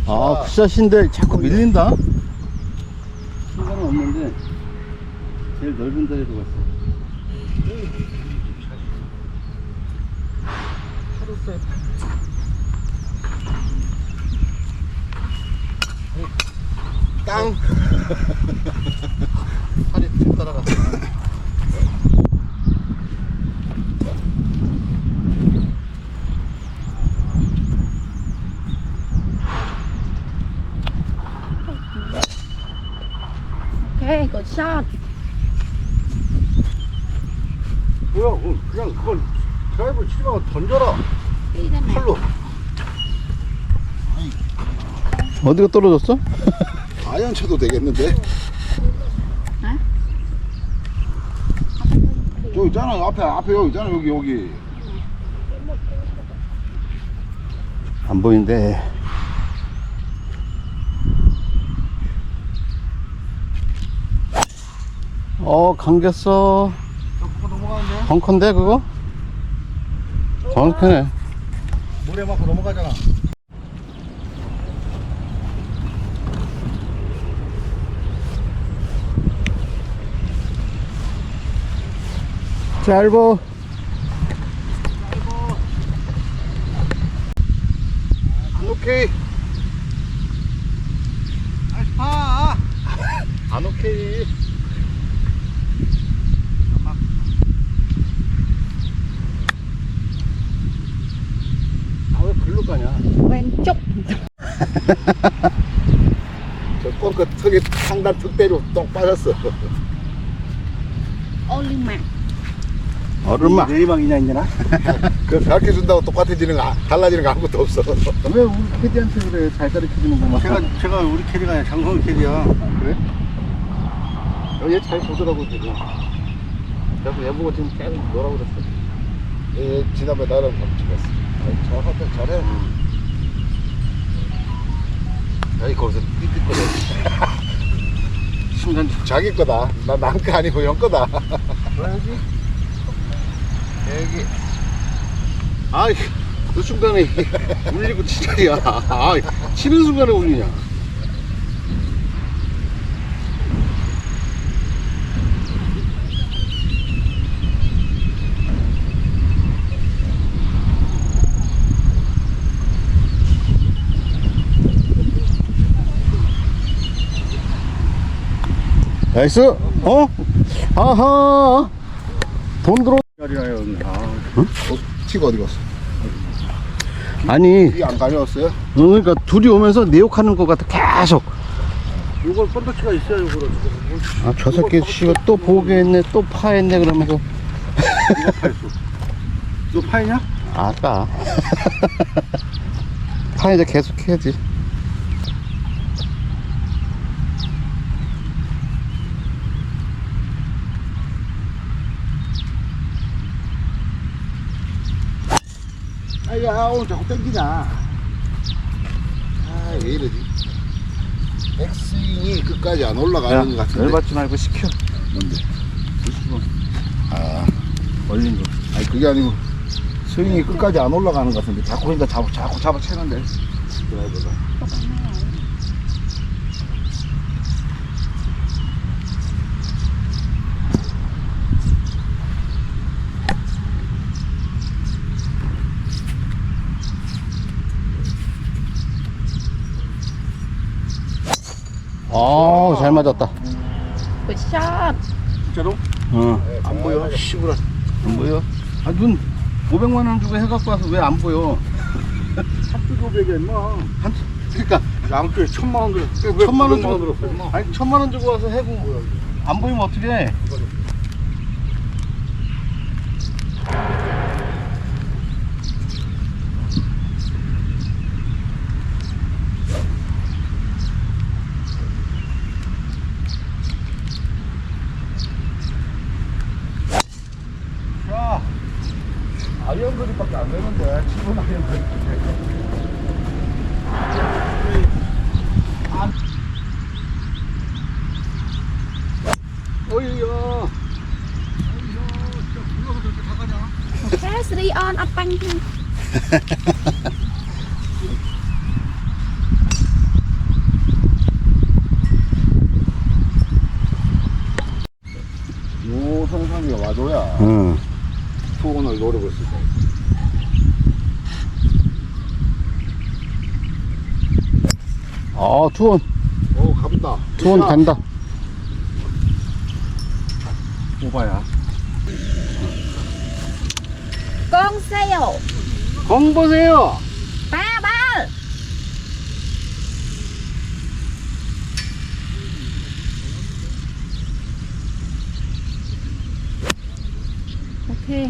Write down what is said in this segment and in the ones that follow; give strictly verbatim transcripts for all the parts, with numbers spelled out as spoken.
아, 굿샷인데 자꾸 밀린다? 상관은 없는데 제일 넓은 자리에 두고 있어. 땅! 팔이 쭉 따라갔어. Okay, good shot. 뭐야? 어, 그냥 그건 드라이브 치지 말고 던져라. Đi ra này. 팔로. 어디가 떨어졌어? 아이언 쳐도 되겠는데? Hả? 여기 있잖아. 앞에 앞에 여기 있잖아. 여기 여기. 안 보이는데. 어, 감겼어. 그거 넘어가는데? 벙커인데, 그거? 정확하네. 모래 맞고 넘어가잖아. 짧어. 안 오케이. 아, 안 오케이. 아, 왜 글로 가냐? 왼쪽. 저 꺾어 턱에 상단 턱대로 똥 빠졌어. 올리막. 얼음아. 내리막이냐 이제나? 그 가르쳐 준다고 똑같아지는 거 아- 달라지는 거 아무것도 없어. 왜 우리 캐디한테 그래? 잘 가르쳐주는구만. 제가 제가 우리 캐디가 아니라 장성 캐디야. 그래? 얘 잘 보더라고, 지금. 그래서 얘 보고 지금 계속 뭐라 그랬어. 예, 지난번에 나랑 같이 찍었어. 잘하다 잘해. 아니 거기서 삐삐거려. 순간 자기 거다. 나 남 거 아니고 형 거다. 뭐야지? 여기. 아이, 그 순간에 울리고 치자야. 아, 치는 순간에 울리냐? 나이스! 어? 아하! 돈 들어. 자리라요. 아, 티가 어디 갔어? 아니, 이 안 가져왔어요? 그러니까 둘이 오면서 내 욕하는 것 같아, 계속. 이걸 번더치가 있어야 이거를. 아, 저 새끼, 씨발, 또 보겠네, 또 파했네, 그러면서. 누가 파했어? 너 파이냐? 아까. 파이자 계속 해야지. 아야 오늘 자꾸 땡기냐? 아 왜 이러지? 백스윙이 끝까지 안 올라가는 것 같은데. 열받지 말고 시켜. 뭔데? 아 얼린 거. 아니 그게 아니고 스윙이 끝까지 안 올라가는 것 같은데 자꾸 그러니까 잡아 자꾸 잡아 채는데 드라이버가. 아, 잘 맞았다. Good shot. 진짜로? 어. 안 보여. 시부라. 안 보여? 아, 눈 오백만 원 주고 해갖고 와서 왜 안 보여? 한두 오백이야 임마. 한, 그러니까 양쪽에 천만 원 들었어. 천만 원 오백만 원 주고 들었어 임마. 아니 천만 원 주고 와서 해고 안 보이면 어떡해? 야, 아이언 거리밖에 안 되는데 지금 아이언 거리. 어이야. Press đi on up banh. 요 선상이가 와줘야 응. 투혼을 노리고 있을 거야. 아, 투원. 오, 가본다. 투원 간다. 오바야. Con sail. 공 보세요. Ba ba. Okay.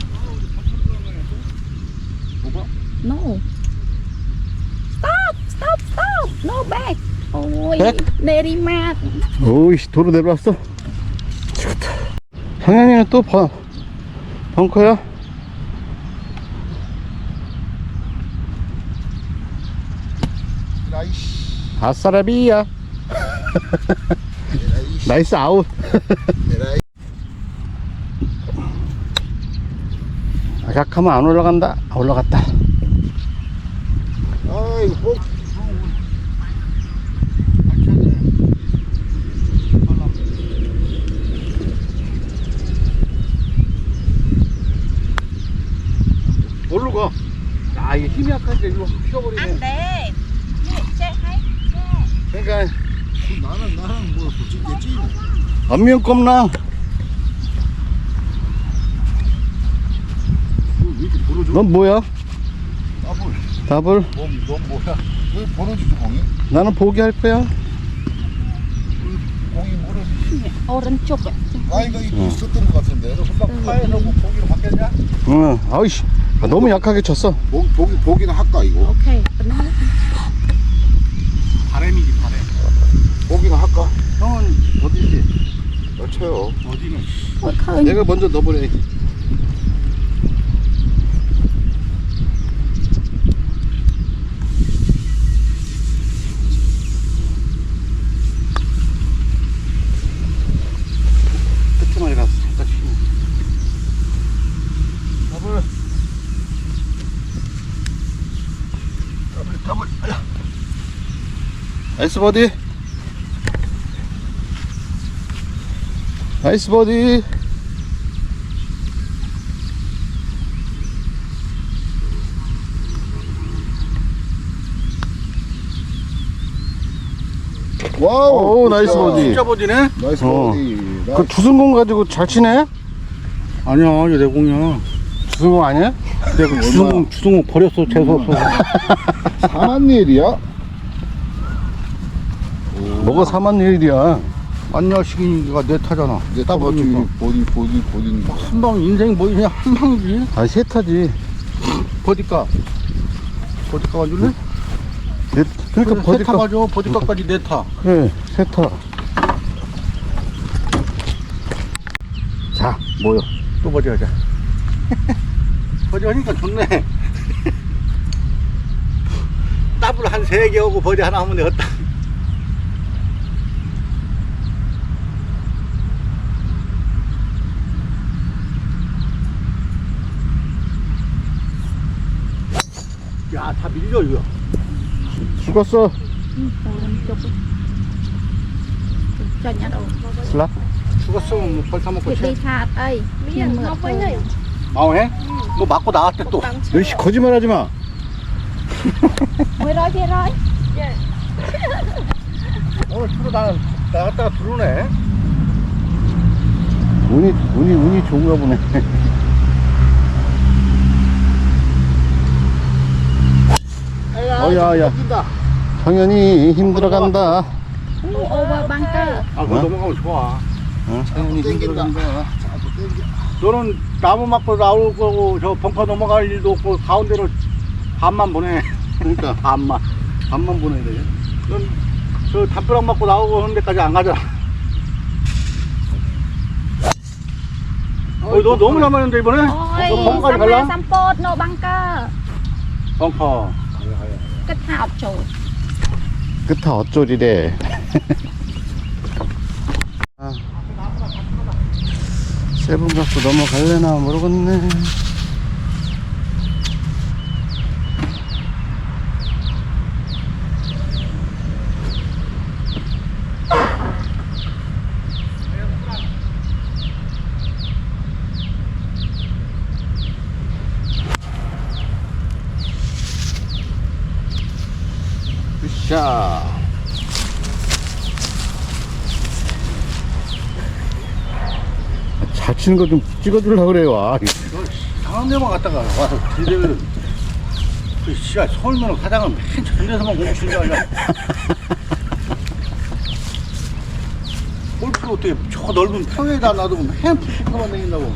뭐가? No. Stop, stop, stop. No back. Ôi, Back? 내리막. 오이씨, 도로 내려왔어. 죽었다. 상현이는 또 번, 벙커야? 라이씨. 아싸라비야. 라이씨. 나이스 아웃. 라이씨. 약하면 안 올라간다. 아, 올라갔다. 아이고, 뭐. 뭘로 가? 아, 이게 힘이 약한데 일로 확 휘어버리네. Anh để. Che hay. 그러니까 나는, 나는 뭐, 솔직히 안면 껌나. 왜 이렇게 벌어져? 넌 뭐야? 더블. 답을? 넌, 넌 뭐야? 왜 벌어지지, 공이? 나는 포기할 거야. 공이 벌어지지. 오른쪽. 나이가 있었던 것 같은데. 너 금방 파에서 뭐 보기로 바뀌었냐? 응. 아이씨. 아, 너무 약하게 쳤어. 보기, 보기, 보기는 할까, 이거? Okay. 바람이지 바람. 보기는 할까? 형은 어디지? 나 쳐요. 어디는? Okay. 내가 먼저 넣어보래. 끝에만 가서 살짝 쉬고. 더블. 더블, 더블. 아야. 나이스 버디. 나이스 버디. 와우. 오, 나이스 굿샷. 버디. 진짜 버디네? 나이스 어. 버디. 그 주승공 가지고 잘 치네? 아니야, 이게 내 공이야. 주승공 아니야? 내가 주승공 주승공 버렸어. 재수 없어. 사만 일이야? 뭐가 사만 일이야. 안녕식이가 내 타잖아. 이제 딱 더블 보니까. 보디, 보디, 보디. 한 방 인생 뭐 그냥 한 방이지. 아, 세타지. 버디가. 버디가가 줄래? 네, 그러니까 버디가 버디가. 가져. 버디가까지 내 타. 그래, 세타. 자, 뭐요? 또 버디 하자. 버디 하니까 좋네. 더블 한 세 개 하고 버디 하나 하면 되겠다. 야, 다 밀려 이거. 죽었어. 오른쪽. Cho nhá đâu. 슬랍? 죽었으면 뭐 벌타 먹고 Việc 쳐. đi thạt ơi. Nhưng mà thôi. 마오해? 뭐 맞고 나왔대 또. 너씨 거짓말 하지 마. Mười rồi kia rồi. 오늘 투로 나 나갔다가 들어오네. 운이, 운이, 운이 좋은가 보네. 어야, 야. 성현이 힘들어간다. Over bunker. 아, 그거 어? 넘어가면 좋아. 어, 성현이 힘들어간다. 너는 나무 맞고 나올 거고 저 벙커 넘어갈 일도 없고 가운데로 반만 보내. 그러니까 반만. 밥만 보내야 돼. 넌 저 담벼락 맞고 나오고 하는 데까지 안 가잖아. 어, 너 너무 남았는데 이번에? Ôi, 너 벙커까지 Samma 갈라? Sampot no bunker. 벙커. Kết hợp chủ. 끝에 어쩌리래. 아, 세븐 갖고 넘어갈래나 모르겠네. 자. 잘 치는 거 좀 찍어주려고 그래요. 아, 이상한 데만 갔다가 와서 들이대면 그 씨야 서울면은 가장은 맨 저런 데서만 공부 치는 게 아니야. 골프를 어떻게 저 넓은 평에다 놔두고 맨 푸푸만 다닌다고.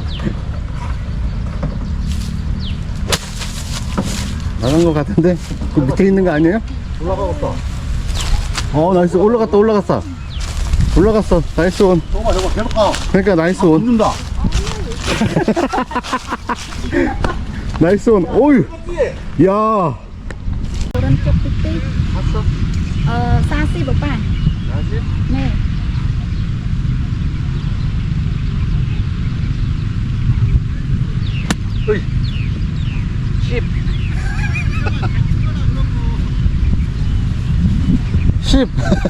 나간 거 같은데? 그 밑에 있는 거 아니에요? 올라가겠다. 어, 나이스. 올라갔다, 올라갔어. 올라갔어. 나이스 온. 저거 저거 계속 가. 그러니까 나이스 온. 붙는다. 나이스 온. 오유. 야. 오른쪽 삐삐. 봤어? 어, 사십 오빠. 사십? 네. 어이. 십. 십.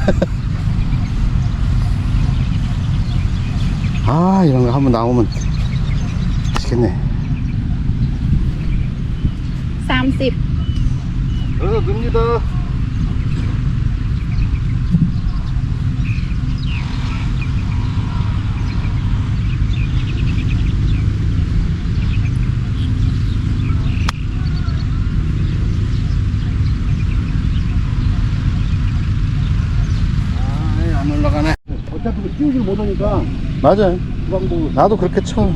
아, 이런 거 한번 나오면 맛있겠네. 삼십. 여기서 늡니다. 아, 안 올라가네. 어차피 그 띄우질 못하니까 맞아요. 그 방법으로. 나도 그렇게 쳐.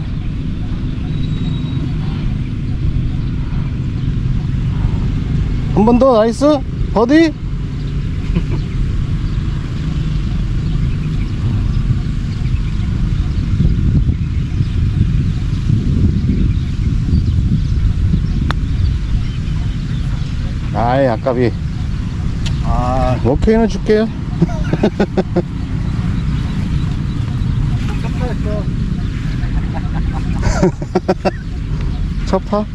한 번 더. 나이스. 버디. 아이, 아깝이. 아, 오케이는 줄게요. 깜짝했어. 첫파?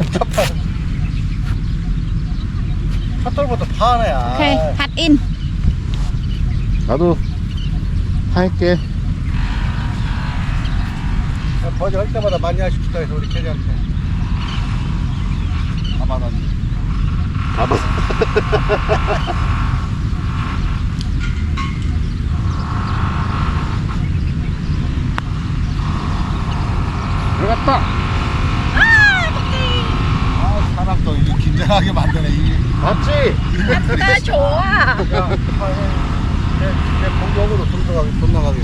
샷돌부터 파네. 아. 오케이, 핫 인. 나도 할게. 버지 할 때마다 많이 하십시다 해서 우리 캐리한테. 다 받았네. 봐봐. 들어갔다. 아, 사람 또 이게 긴장하게 만드네. 이게. 맞지? 나 좋아. 야, 내, 내 공격으로 돈 들어가게, 돈 나가게.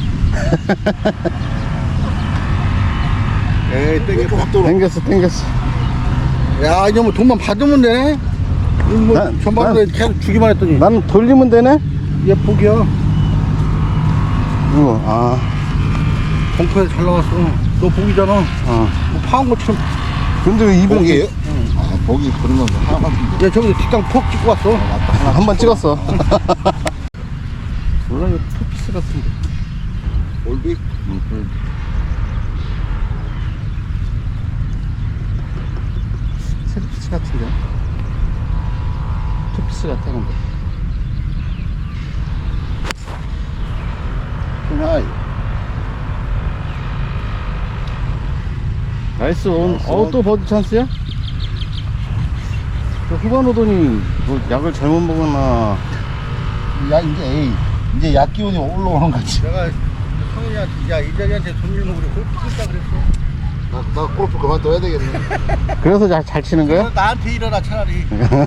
에이, 땡겨. 땡겼어, 땡겼어. 야, 이제 뭐 돈만 받으면 되네? 이거 뭐, 난- 전반부에 계속 주기만 했더니. 나는 돌리면 되네? 얘 복이야. 이거, 아, 벙커에 잘 나왔어. 너 복이잖아. 어. 뭐 파한 것처럼. 근데 왜 이번 복이에요? 아, 복이 그런 건 하나만. 얘 저기서 뒷땅 푹 찍고 왔어. 한 번 찍었어. 몰라, 이거 투피스 같은데. 올비? 응, 응. 세피스 같은데. 투피스 같아, 근데. 하이. 나이스 온. 나이스 어, 온. 또 버디 찬스야? 저 후반 오더니 뭐 약을 잘못 먹었나. 야, 이제, 에이. 이제 약 기운이 올라오는 거지. 내가 성현이한테, 야, 이 자리한테 돈 일면 그래. 골프 칠까 그랬어. 나, 나 골프 그만둬야 되겠네. 그래서 잘, 잘 치는 거야? 너 나한테 일어나, 차라리.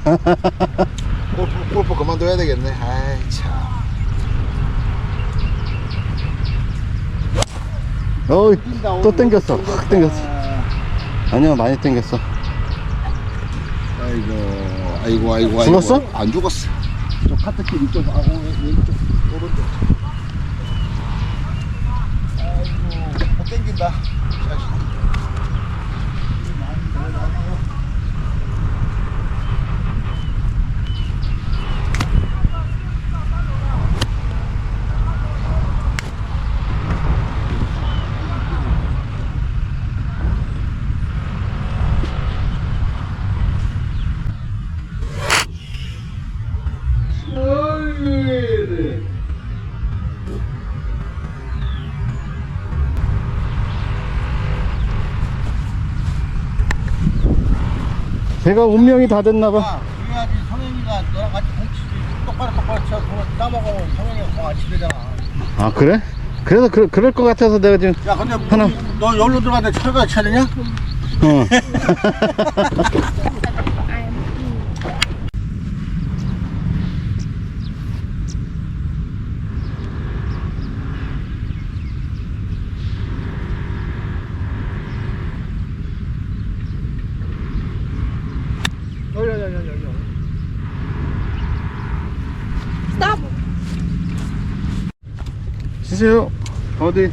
골프, 골프 그만둬야 되겠네. 아이, 참. 어이, 또 땡겼어. 확 땡겼어. 아니야, 많이 땡겼어. 아이고, 아이고, 아이고. 아이고. 죽었어? 안 죽었어. 저 카트길 이쪽, 아, 왼쪽, 오른쪽. 아이고, 못 땡긴다. 제가 운명이 다 됐나봐. 야, 그래야지 성현이가 너랑 같이 공치지. 똑바로 똑바로 저 그거 따먹으면 성현이가 공안 치대잖아. 아 그래? 그래서 그, 그럴 것 같아서 내가 지금 야 근데 하나. 너 여기로 들어갔는데 철가 쳐야 되냐? 어. 야야야야야. Stop. 쉬세요. 어디?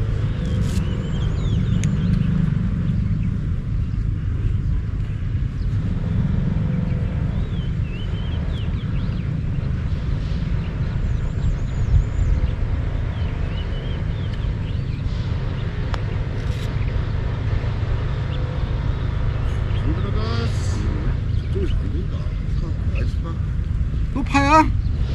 안 들어갔어. 저쪽에서 안 된다. 나이스 파. 또 파야?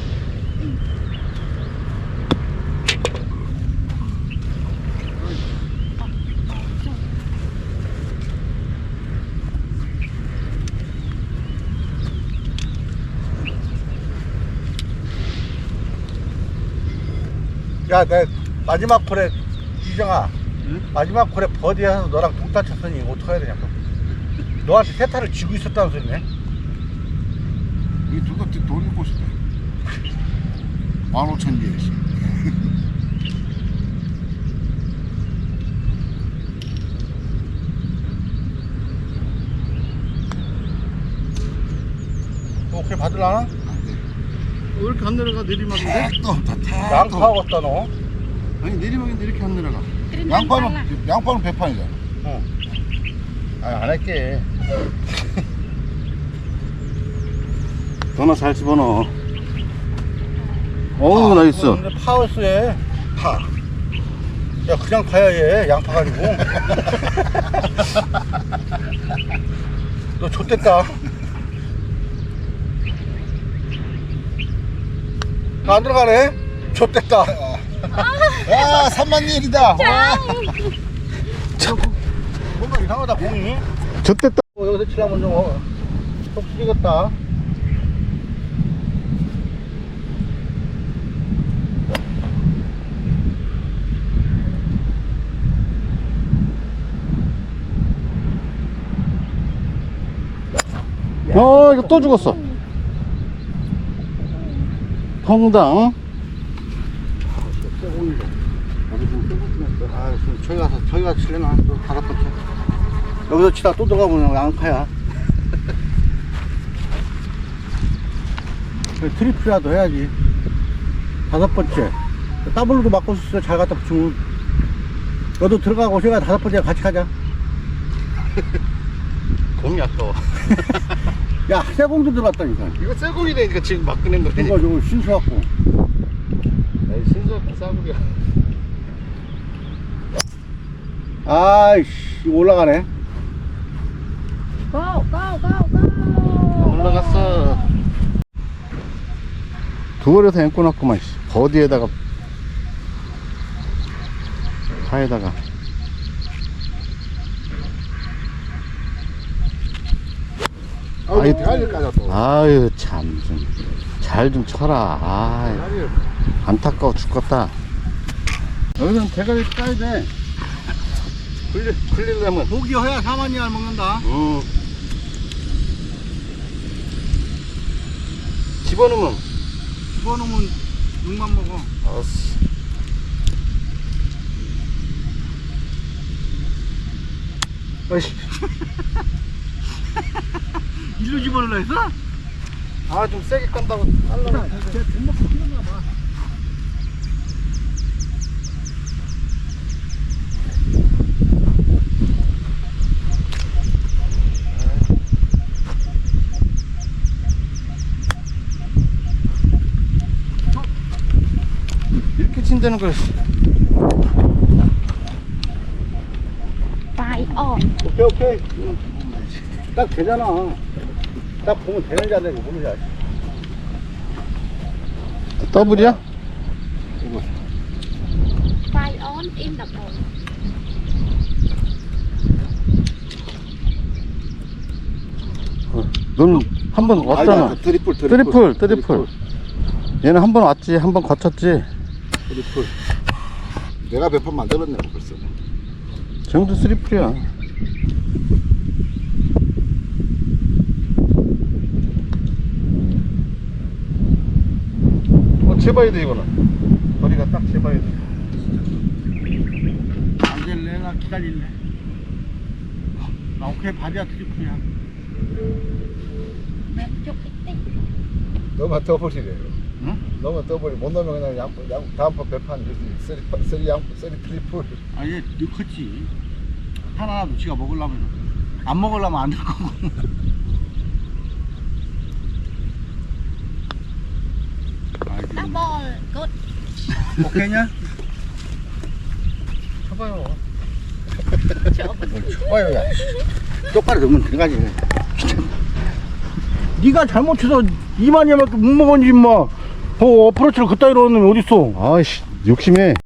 야, 내 마지막 콜에 이정아, 응? 마지막 콜에 버디해서 너랑 동타 쳤으니 어떻게 해야 되냐고. 너한테 세타를 쥐고 있었다는 소리네. 이 둘다 돈이 꼬시다. 만 오천 개씩. 오케이 받으려나? 안 돼. 왜 이렇게 안 내려가? 내리막인데? 택도 없다, 택도. 양파하겠다 너. 아니 내리막인데 이렇게 안 내려가. 양파는, 양파는 배판이잖아. 어. 아니 안 할게. 전화 잘 집어넣어. 어우 나이스. 근데 파워스에 파. 야 그냥 파야 얘 양파 가지고. 너 좆됐다. 안 들어가네. 좆됐다. 야, 삼만 일이다. 뭔가 이상하다 공이. 좋댔다. 어, 여기서 치려면 좀 어, 속 쓰리겠다. 어 이거 또 죽었어. 펑당. 아, 지금 저기 가서 저기 가서 치려나 또 다섯 번째. 여기서 치다 또 들어가면 양파야. 트리플이라도 해야지. 다섯 번째. 더블로도 맞고 있어. 잘 갖다 붙이면. 너도 들어가고 제가 다섯 번째 같이 가자. 공이 아까워. 야, 새 공도 들어왔다니까. 이거 새 공이라니까 지금 막 꺼낸 거지. 이거 저거 신수갖고. 에이 신수없고 싸구려. 아이씨, 이거 올라가네. Go, go, go, go. 올라갔어. 두 벌에서 앵꼬 났구만. 씨. 버디에다가 파에다가. 아이, 대가리를 까졌어. 아유 참 좀 잘 좀 쳐라. 아유, 안타까워 죽겠다. 여기는 대가리 까야 돼. 굴리, 굴리려면. 고기 허야 사만이 알 먹는다. 음. 집어넣으면. 집어넣으면 육만 먹어. 알았어. 아이씨. 일로 집어넣으려 했어? 아 좀 세게 깐다고 깔라고. 쟤 등록 시켰나 봐. 이렇게 친다는 걸. Five on. 오케이 오케이. 응. 딱 되잖아. 딱 보면 되는지 안 되는지 모르지. 더블이야? Five on in the bowl. 넌 한 번 왔잖아. 아니다, 트리플, 트리플. 트리플, 트리플. 얘는 한 번 왔지, 한 번 거쳤지. 트리플. 내가 몇 번 만들었네 벌써. 정도 쓰리플이야. 어, 재봐야 돼, 이거는. 머리가 딱 재봐야 돼. 안 될래? 나 기다릴래. 나 오케이, 바디야 트리플이야. Mềm chút ít ít. 너만 떠버리래. 응? 너만 떠버리. 못 넣으면 그냥 양, 양 다음번 배판 쓰리 쓰리 양 쓰리 트리플. 아, 얘 늙었지. 하나라도 지가 먹으려면. 안 먹으려면 안 될 거고. 알지. Double. Good. 오케이냐? 쳐봐요. 좋아요, 야. 똑바로 넣으면 들어가지. 네가 잘못해서 이만이밖에 못 먹었지, 임마. 어, 어프로치를 그따위로 넣으면 어딨어. 아이씨, 욕심해.